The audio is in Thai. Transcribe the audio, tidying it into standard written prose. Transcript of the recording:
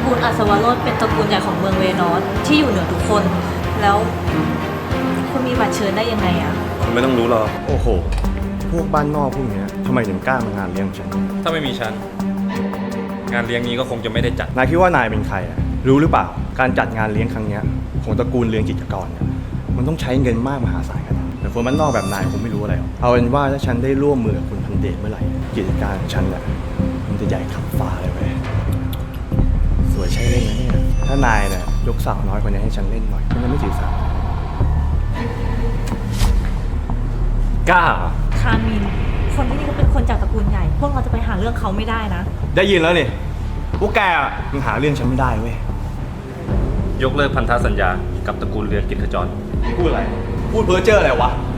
กูลอัศวโรจน์เป็นตระกูลใหญ่ของเมืองเวนอสที่อยู่เหนือทุกคน แล้วคุณมีบัตรเชิญได้ยังไงอะคุณไม่ต้องรู้หรอกโอ้โห พวกบ้านนอกพวกเนี้ยทำไมถึงกล้ามางานเลี้ยงฉันถ้าไม่มีฉัน งานเลี้ยงนี้ก็คงจะไม่ได้จัดนายคิดว่านายเป็นใครอ่ะ รู้หรือเปล่า การจัดงานเลี้ยงครั้งเนี้ยของตระกูลเลี้ยงกิจกรเนี่ยมันต้องใช้เงินมากมหาศาลขนาดนั้นแต่คนบ้านนอกแบบนายคงไม่รู้อะไรหรอกเอาเป็นว่าถ้าฉันได้ร่วมมือกับคุณพันเดชเมื่อไหร่กิจการของฉันเนี่ยมันจะใหญ่ขับฟ้าเลยเว้ยสวยใช่เล่นนะเนี่ยถ้านายเนี่ยยกสาวน้อยคนนี้ให้ฉันเล่นหน่อยฉันจะไม่ถือสากล้าคามิน คนที่นี่ก็เป็นคนจากตระกูลใหญ่ พวกเราจะไปหาเรื่องเขาไม่ได้นะได้ยินแล้วนี่พวกแกอ่ะยังหาเรื่องฉันไม่ได้เว้ยยกเลิกพันธสัญญากับตระกูลเรือนกิจขจรพูดอะไร พูดเพ้อเจ้ออะไรวะ